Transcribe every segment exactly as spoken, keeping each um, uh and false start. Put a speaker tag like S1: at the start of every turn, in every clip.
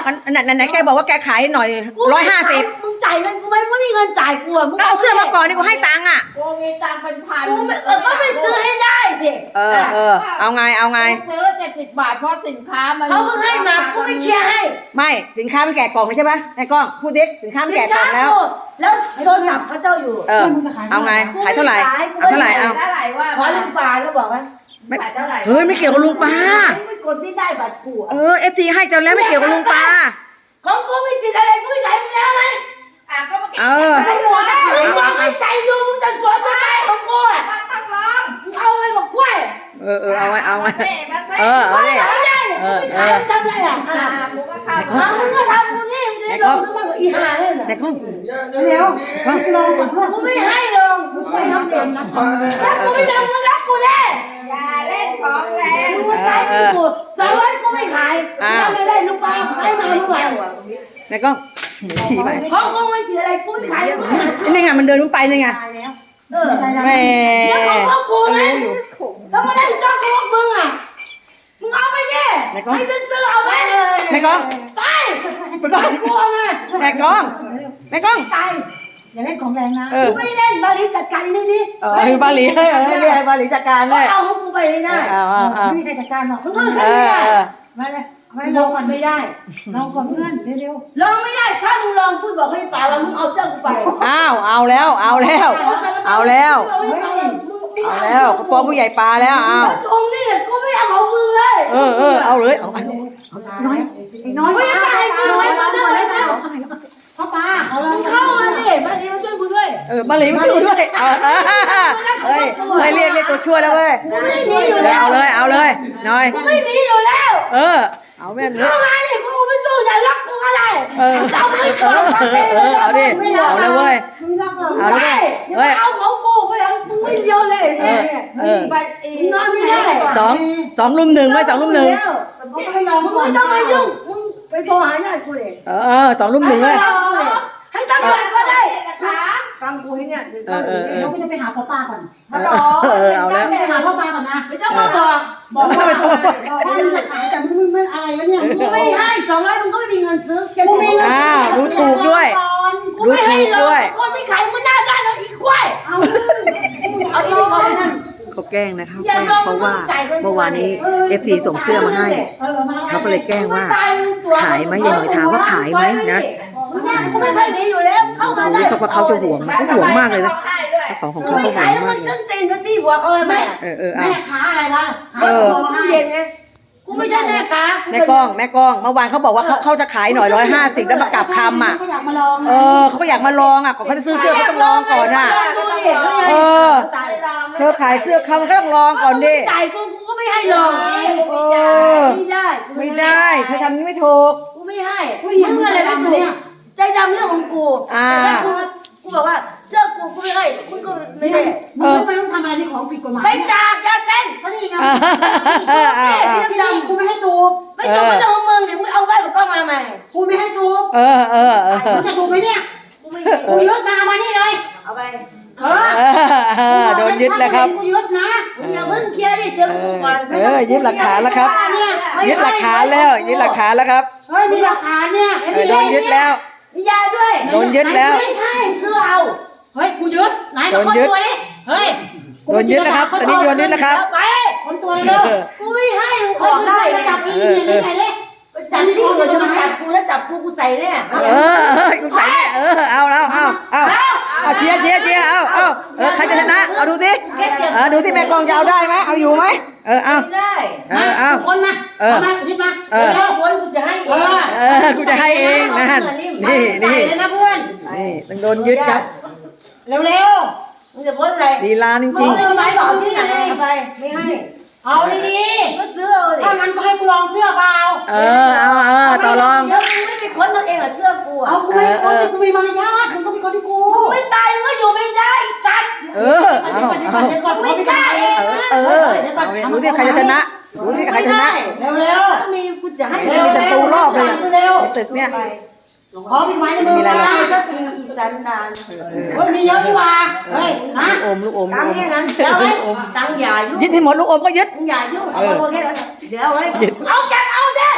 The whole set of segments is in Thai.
S1: ไหนไหนแกบอกว่าแกขายหน่อยร้อยห้าสิบ
S2: มึงจ่ายเงินกูไหมไม่มีเงินจ่ายกูอ่ะมึง
S1: เอาเสื้อมาก่อนนี่กูให้ตังค์อ่ะ
S3: กูมีตังค์เป็นพัน
S2: กูเออก็ไปซื้อให้ได้สิ
S1: เออเออเอาไงเอาไง
S3: ซื้อเจ็ดสิบบาทเพราะสินค้ามัน
S2: เขาเพิ่งให้มากูไม่เคลียร์ให้
S1: ไม่สินค้ามันแกะกล่องใช่ปะไอ้กล้องพูดดิสินค้ามันแกะกล่องแล้ว
S2: แล้วโทรศัพท์เขาเจ้าอยู่
S1: เออเอาไงขายเท่าไหร่เอาเท่าไหร่เอา
S3: เท่าไหร่ว่า
S2: ขอลุงปลาแล้วบอกว่า
S1: ไม่เฮ้ยไม่เกี่ยวกับลุงปลา
S2: ไม่กดไม่ได้บัตรกู
S1: เออเอฟซีให้เจ้าแล้วไม่เกี่ยวกับลุงปลา
S2: ของกูมีสิทธิ์อะไรกูไม่ขายมึงแล้วไหม
S3: อ่ะก็มาเก็บ
S1: เออ
S3: ใส่หัวนะ
S2: มึงบอกไม่ใส่ดูมึงจะสวนทำไมของกูอ่ะ
S3: มาตั้งร้อง
S2: มึงเอาไงบอกกล้วย
S1: เออเออเอาไงเอาไงเออ
S2: เอา
S1: เอาดิ
S2: ไงไม่ได้กูไม่ขายมึงทำไรอ่ะอ่ะ
S3: กูก็เข้า
S2: มึงก็ทำกูนี่มึงจะลงสมัครอีห่าเลยนะ
S1: แต่กล้อง
S2: เร็วลองกับเพื่อนกูไม่ให้ลงกูไม่ทำเด่นนะกูไม่ทำมึงรักกูแน่
S3: อย่าเล่นของแรง
S2: มึงมาใช้กูสองร้อยกูไม่ขายถ้าไม่ได้ลูกปลาขายมาเมื่อไหร่
S1: แต่กล้องขี่ไป
S2: ของกูไม่เสียอะไรกูไม่ขาย
S1: นี่ไงมันเดินไปนี่ไง
S2: เออ
S1: แม่
S2: แล้วของพวกกูไหมแล้วมาได้จ้องพวกมึงอ่ะมึงเอาไปดิให้ฉันซื้อเอาไป
S1: แม่กล้อง
S2: ไปไปก่อนกลัวไง
S1: แม่กล้องแม่กล้อง
S2: ตายอย่าเล่นของแรงนะกูไม่เล่นบาลีจัดการนี่ดิ
S1: เออบาลีเฮ้ยเรียกบาลีจัดการเลย
S2: เอาของกูไปไม่ได้
S1: ไม่
S2: มีใครจัดการหรอกมึงก็ใช่ไหมมาเลยไม่ลองก่อนไม่ได้ลองก่อนเพื่อนเร็วๆลองไม่ได้ถ้ามึงลองพูดบอกให้ป่าว่ามึงเอาเสื้อกูไป
S1: อ้าวเอาแล้วเอาแล้วเอาแล้วเอาแล้วกระป๋องผู้ใหญ่ปลาแล้วเอา
S2: ตรงนี่กูไม่เอาของมึงเลย
S1: เออเออเอาเลยเอาน้อย
S2: น้อยไม่ไปกูน้อยมาหน่อยแล้วพ่อปลาเขาลองเข้ามาดิมาเรียนช่วยกูด้วย
S1: เออมาเรียนช่วยด้วยเออเฮ้ยเฮ้ยเรียกเรียกตัวช่วยแล้วเว้ย
S2: กูไม่มีอยู่แล้ว
S1: เอาเลยเอาเลยน้อย
S2: กูไม่มีอยู่แล้ว
S1: เออเอาแม่ง
S2: เข้ามาดิกูไม่สู้อย่าล็อกกูอะไร
S1: เออ
S2: เอาไม่เออ
S1: เออเอาดิเอาเลยเว้ย
S2: เอาเลยเฮ้ยเอาของกูไปเอามึงไม่เดียวเลยเนี่ย
S1: เออ
S2: นอนไม่ได้
S1: สองสองลุมหนึ่งไว้สองลุมหนึ่ง
S2: มึงไม่ต้องมายุ่งมึงไปโทรหาญาติกูเลย
S1: เออสองลุมหนึ่งเลย
S2: ให้ตำรวจก็ได้นะคะฟังกูให้เนี่ยเดี๋ยวเราก็จะไปหาพ่อป้าก่อน
S3: มาหรอ
S1: เอาแล้ว
S2: ไปหาพ่อป้าก่อนนะไม่ต้องมาบอกบอกว่าว่ามึงจะขายแต่มึงไม่อะไรวะเนี่ยมึงไม่ให้สองร้อยมึงก็ไม่มีเงินซื้อกูมีเงิน
S1: อ้าวรู้ถูกด้วย
S2: รู้ถูกด้วยคนไม่ขายมึงหน้าด้านเอาอีกควายเอาเอาอีกคนนั่น
S1: เขาแกล้งนะครับเพราะว่าเมื่อวานนี้เอฟซีส่งเสื้อมาให้เขาก็เลยแกล้งว่าขายไหมยังถามว่าขายไหมนะ
S2: กูไม่เคยหนีอยู่แล้วเข้ามาได้
S1: เขาเขาจะห่วงเขาห่วงมากเลยนะของของเขาเขาห่วงมากเลย
S2: มันฉันตีนมาซี่หัวเขาเลยแม่
S1: เออเออ
S2: แม่ค้าอะไรวะเออเย็นไงกูไม่ใช่แม่ค้า
S1: แม่กล้องแม่กล้องเมื่อวานเขาบอกว่าเขาเขาจะขายหน่อยร้อยห้าสิบแล้วมากลับคำอ่ะเออเขาอยากมาลองอ่ะก่อนเขาจะซื้อเสื้อเขาต้องลองก่อนอ่ะเออเธอขายเสื้อเขามันก็ต้องลองก่อนดิ
S2: จ่ายกูกูก็ไม่ให้ลอง
S1: เออ
S2: ไม่ได้
S1: ไม่ได้เธอทำนี้ไม่ถูก
S2: กูไม่ให้มึงอะไรไม่ถูกใจดำเรื่องของกูแต่กูกูบอกว่าเสื้อกูกูไม่ให้คุณก็ไม่ได้
S4: มึงทำไมต้องทำอะไรที่ของผิดกฎหมาย
S2: ไปจากยาเส้น
S4: ก็นี่ไงที่นี่กูไม่ให้สูบ
S2: ไม่สูบมันเรื่องของมึงเดี๋ยวมึงเอาใบบอกกล้องมาใหม่
S4: กูไม่ให้สูบ
S1: เออเออเออ
S4: มึงจะสูบไหมเนี่ย
S2: กูไม่
S4: กูยึดมาเอามานี่เลย
S2: เอาไป
S4: เออ
S1: โดนยึดแล้วครับ
S4: กูยึดนะ
S2: อย่าเพิ่งเคลียร์ดิเจอกูก่อน
S1: เออยึดหลักฐานแล้วครับยึดหลักฐานแล้วยึดหลักฐานแล้วครับ
S4: เฮ้ยมีหลักฐานเนี่ย
S1: โดนยึดแล้ว
S2: มียาด้วย
S1: โดนยึดแล้ว
S2: ไม่ให้คือเอา
S4: เฮ้ยกูยึดไหนมาคนตัวดิเฮ้ย
S1: โดนยึดแล้วครับตอนนี้โดนยึดแล้วครับ
S2: ไป
S4: คนตัวเร็ว
S2: กูไม่ให้มึงออกได้
S4: จับอีนี่นี่ไหนเลย
S2: จับที่กูจะมาจับกูแล้วจับกูกูใส่แน่
S1: เออเออกูใส่แน่เออเอาแล้วเอาเอาเอาเชียร์เชียร์เชียร์เอาเอาเออใครจะชนะเอาดูสิเออดูสิแม่กองจะเอาได้ไหมเอาอยู่ไหมเออเอา
S2: ได้
S1: เออเอา
S4: คนมาเออมาคิดมา
S2: เออคนกูจะให้เอง
S1: เออกูจะให้เองนั่นนี่นี่
S4: เลยนะเพื่อน
S1: นี่ต้องโดนยึดครับ
S4: เร็ว
S2: ๆมึงจะพ้นอะไร
S1: ลีลาจริงๆ
S4: ไม่ไม่บอกที่ไหน
S2: ไปไม่ให้
S4: เอาดี
S2: ๆก็ซื้อเอาดิ
S4: ถ้างั้นก็ให้กูลองเสื้อเปล่า
S1: เออเอาเออต่อรอง
S2: เดี๋ยวมึงไม่ไปค้นตัวเองเหรอเสื้อกู
S4: เอากูไม่ค้นกูมีมารยาทมึงต้องไปค้นที่กู
S2: ไม่ตายมึงก็อยู่ไม่ได้สัตว์
S1: เออเอาเอา
S2: ไม่ได้
S1: เออดูสิใครจะชนะดูสิใครชนะ
S4: เร็วเร็ว
S2: มีกูจะให้
S1: มีแต่ตูรอบเลยตึกเนี่ย
S4: ขอพี่ไม้ในมือมา
S2: สักทีอีสันดาน
S4: เฮ้ยมีเยอะดีว่าเฮ้ยนะ
S1: ลูกอมลูกอม
S2: ตังแค่นั้นเดี๋ยวไว้ตังใหญ่ยุ่ง
S1: ยึดให้หมดลูกอมก็ยึด
S2: ใหญ่ยุ่งเอาตัวแค่นั้นเดี๋ยวไว้เอาแกเอาเด้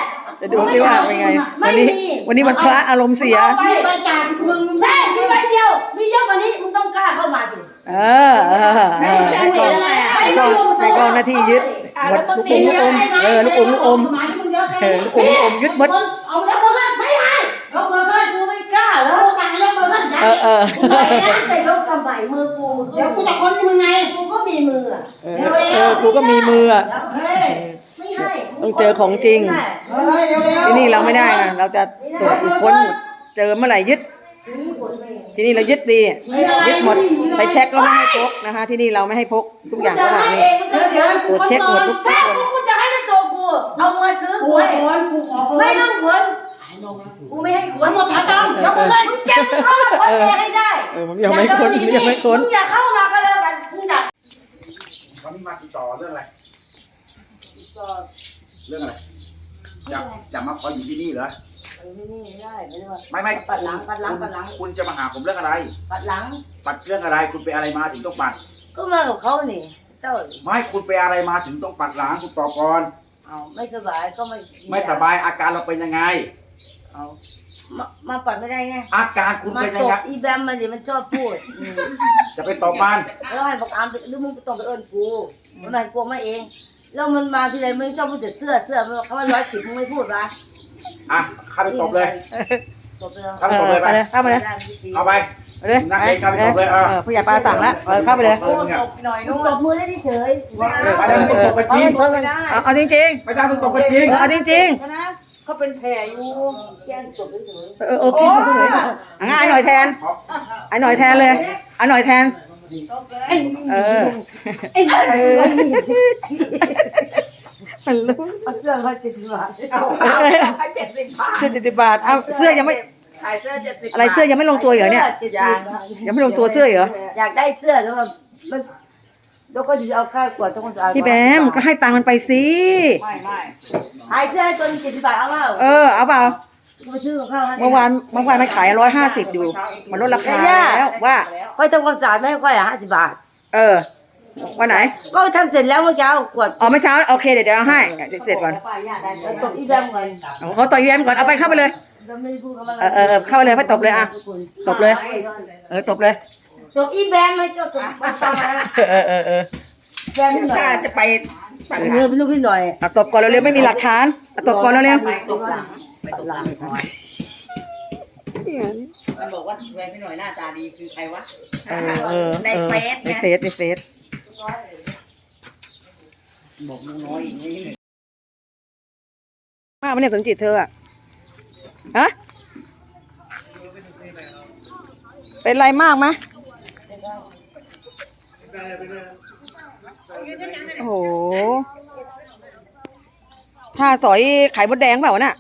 S1: จะดูสิว่าเป็นไง วันนี้ วันนี้มันพระอารมณ์เสีย
S4: มีใบจากมึง
S2: ใช่มีใบเดียว มีเยอะกว่านี้มึงต้องกล้าเข้ามาสิ
S1: เออเออเออให้กองให้กองให้กองหน้าที่ยึดหมดลูกอมลูกอมเออลูกอมลูกอม
S4: หมายถึงมึงเยอะ
S1: เออลูกอมลูกอมยึดหมด
S4: เอาแล้วมือขึ้นไม่ได้ยกมือขึ้น
S2: กูไม่กล้าแล้ว
S4: กูสั่งให้ยกมือขึ้น
S1: เออเออ
S2: กูไหนนะแต่ยกทำไมมือกู
S4: เดี๋ยวกูจะค้นมึงไง
S2: กูก็มีมืออะ
S1: เออเออกูก็มีมืออ่ะ
S4: เฮ้ย
S2: ไม่ให้
S1: ต้องเจอของจริง
S4: เฮ้ยเร็วเร็ว
S1: ที่นี่เราไม่ได้นะเราจะตรวจค้นหมดเจอเมื่อไหร่ยึด ที่นี่เรายึดดียึดหมดไปเช็คก็ไม่ให้พกนะคะ ที่นี่เราไม่ให้พกทุกอย่าง
S2: จะ
S1: ก็แบบ
S2: ให้
S1: นี้
S2: เอง
S4: เดี๋ยวเดี๋ยว
S1: ตรวจเช็คหมดทุกทุ
S2: ถ้าก
S1: คน
S2: กูจะให้ด้วยตัวกู เอาเงินซื้อ
S4: กู
S2: กูให้
S4: ขอกูขอ
S2: ไม่ต้องขนกูไม่ให้ขน
S4: หมดฐานดำยกมือขึ้น
S2: มึงจะเข้ามาขนเองให้ได้
S1: เออผมยังไม่ค้นผมยังไม่ค้น
S2: มึงอย่าเข้ามาก็แล้วกันมึงอย่า
S5: วันนี้มาติดต่อเรื่องอะไร เรื่องอะไรจะจะมาขออยู่ที่นี่เหรอ
S2: ไม่นี่ไม่ได้ไม่ได้ว่า
S5: ไม่ไม่
S2: ปัดหลังปัดหลังปัดหลัง
S5: คุณจะมาหาผมเรื่องอะไร
S2: ปัดหลัง
S5: ปัดเรื่องอะไร คุณไปอะไรมาถึงต้องปัด
S2: ก็มากับเขานี่เจ้า
S5: ไม่คุณไปอะไรมาถึงต้องปัดหลังคุณตอบก่อน
S2: เอาไม่สบายก็ไม่
S5: ไม่สบายอาการเราเป็นยังไง
S2: เอามามาปัดไม่ได้ไง
S5: อาการคุณ
S2: มา
S5: เป็น
S2: ต
S5: ยัง
S2: บ
S5: ไง
S2: อีแบมมันดิมันชอบพูดอืม
S5: จะไปตอบมัน
S2: แล้วให้บอกอามไปหรือมึงต้องไปเอิญกูมันให้กูมาเอง แล้วมันมาทีไรมึงชอบพูดแต่เสื้อเสื้อมันบอกเขาว่าร้อยสิบมึงไม่พูดวะ
S5: อ่ะเข้าไปตบเลย
S2: ตบเลย
S5: เข้าไปตบเลยไป
S1: เข้าไปเลย
S5: เข้าไป
S1: ไปเลย
S5: นั่งเองเข้าไปตบเลยเออ
S1: เออผู้ใหญ่ปลาสั่งแล้วเออเข้าไปเลย
S5: เออเนี่ย
S2: มึงตบมือได้เฉย
S5: ไปแล้วมึงตบกันจริง
S1: เอาเอาจริง
S5: ไม่ได้ต้องตบกันจริง
S1: ๆเออเอาจริง
S4: เขาเป็นแผลอยู่
S2: แก้มตบเฉย
S1: ๆเออเออพี่เฉยๆอ่ะงั้นไอ้หน่อยแทนไอ้หน่อยแทนเลยไอ้หน่อยแทน
S2: ๆไอ้
S1: เออ
S2: ไอ้ไอ้
S1: มันรู้
S2: เอาเสื้อมาเจ็ดสิบบาท
S3: เอาเอาเจ็ดสิบบาท
S1: เสื้อเจ็ดสิบบาทเอาเสื้อยังไม่
S3: ขายเสื้อเจ็ดสิบ
S1: อะไรเสื้อยังไม่ลงตัวเหรอเนี่ย
S2: เจ็ดสิบบาท
S1: ยังไม่ลงตัวเสื้อเหรอ
S2: อยากได้เสื้อแล้วมันมันแล้วก็จะเอาค่ากวดต้องจะเอา
S1: พี่แบมก็ให้ตังค์มันไปสิ
S3: ไม่ไม่
S2: ขายเสื้อให้ตัวเจ็ดสิบบาทเอาเปล่า
S1: เออเอาเปล่า
S2: มาซื้อของข้าวให้
S1: เมื่อวานเมื่อวานมันขายร้อยห้าสิบอยู่มันลดราคาแล้วว่า
S2: ค่อยทำความสะอาดไม่ให้ค่อยอ่ะห้าสิบบาท
S1: เออวันไหน
S2: ก็ทำเสร็จแล้วเมื่อกี้เอากวด
S1: อ๋อเมื่อเช้าโอเคเดี๋ยวเดี๋ยวเอาให้เดี๋ยวเสร็จก่อน
S2: แล้วตบอีแบมก่อน
S1: เอาเขาต่อยแยมก่อนเอาไปเข้าไปเลย
S2: แล้วไม่ได้พูดกับมัน
S1: เออเออเออเข้าไปเลยให้ตบเลยอ่ะตบเลย เออตบเลย
S2: ตบอีแบมให้เจ้าตบมาฟังนะ
S1: เออเออเออ
S2: แบมพี่หน่อย
S3: ถ้าจะไปปัดห
S2: เอ
S3: ลั
S2: อง เป็นลูกพี่หน่อย
S1: เอาตบก่อนเร็วๆไม่มีหลักฐานเอาตบก่อนเร็ว
S3: ไปตบหลัง
S2: ไปตบหลัง
S3: มันบอกว่าแฟนพี่หน่อยหน้าตาดีคือใครวะ
S1: ๆเออเออ
S3: ใน
S1: เออ
S3: เฟซ
S1: ใน
S3: เนี่ย
S1: เฟซในเฟซ
S3: บอกน้อยอย่างนี้
S1: มากมันเนี่ยสนจิตเธออะฮะเป็นไรมากไหมโอ้โหถ้าสอยไข่มดแดงเปล่าวะน่ะ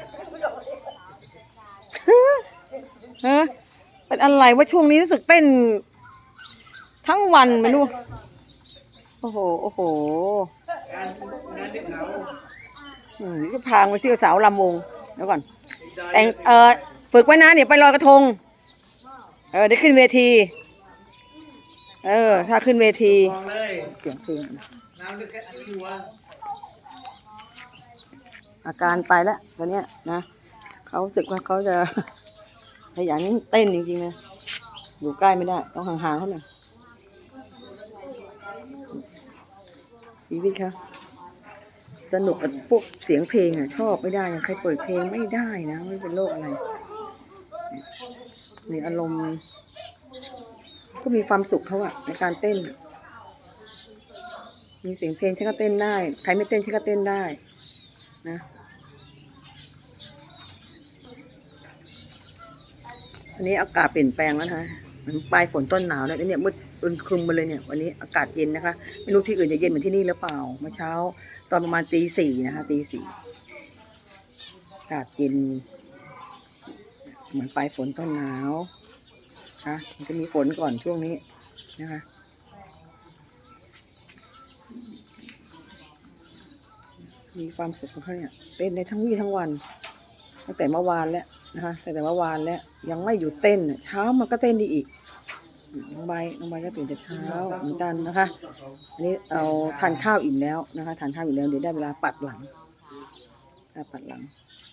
S1: ฮะเป็นอะไรว่าช่วงนี้รู้สึกเต้นทั้งวันไม่รู้โอ้โหโอ้โหอืมนี่ก็พางไปเที่ยวสาวลำวงเดี๋ยวก่อนแต่งเออฝึกไว้นะเดี๋ยวไปลอยกระทงเออได้ขึ้นเวที เออ ถ้าขึ้นเวทีเสียงเพลงอาการไปแล้วตอนเนี้ยนะเขารู้สึกว่าเขาจะขยันเต้นจริงๆนะอยู่ใกล้ไม่ได้ต้องห่างๆเขาหน่อยชีวิตค่ะสนุกกับพวกเสียงเพลงอ่ะชอบไม่ได้อย่างใครเปิดเพลงไม่ได้นะไม่เป็นโรคอะไรมีอารมณ์ก็มีความสุขเขาอะในการเต้นมีเสียงเพลงฉันก็เต้นได้ใครไม่เต้นฉันก็เต้นได้นะวันนี้อากาศเปลี่ยนแปลงแล้วนะคะมันปลายฝนต้นหนาวแล้วเนี่ยมืดอึมครึมมาเลยเนี่ยวันนี้อากาศเย็นนะคะไม่รู้ที่อื่นจะเย็นเหมือนที่นี่หรือเปล่าเมื่อเช้าตอนประมาณตีสี่นะคะตีสี่อากาศเย็นเหมือนปลายฝนต้นหนาวนะมันจะมีฝนก่อนช่วงนี้นะคะมีความสุขของเขาเนี่ยเต้นในทั้งวี่ทั้งวันตั้งแต่เมื่อวานแล้วนะคะตั้งแต่เมื่อวานแล้วยังไม่หยุดเต้นเช้ามันก็เต้นดีอีกน้องใบน้องใบก็ตื่นแต่เช้าเหมือนกันนะคะอันนี้เอาทานข้าวอิ่มแล้วนะคะทานข้าวอิ่มแล้วเดี๋ยวได้เวลาปัดหลังอ่ะปัดหลัง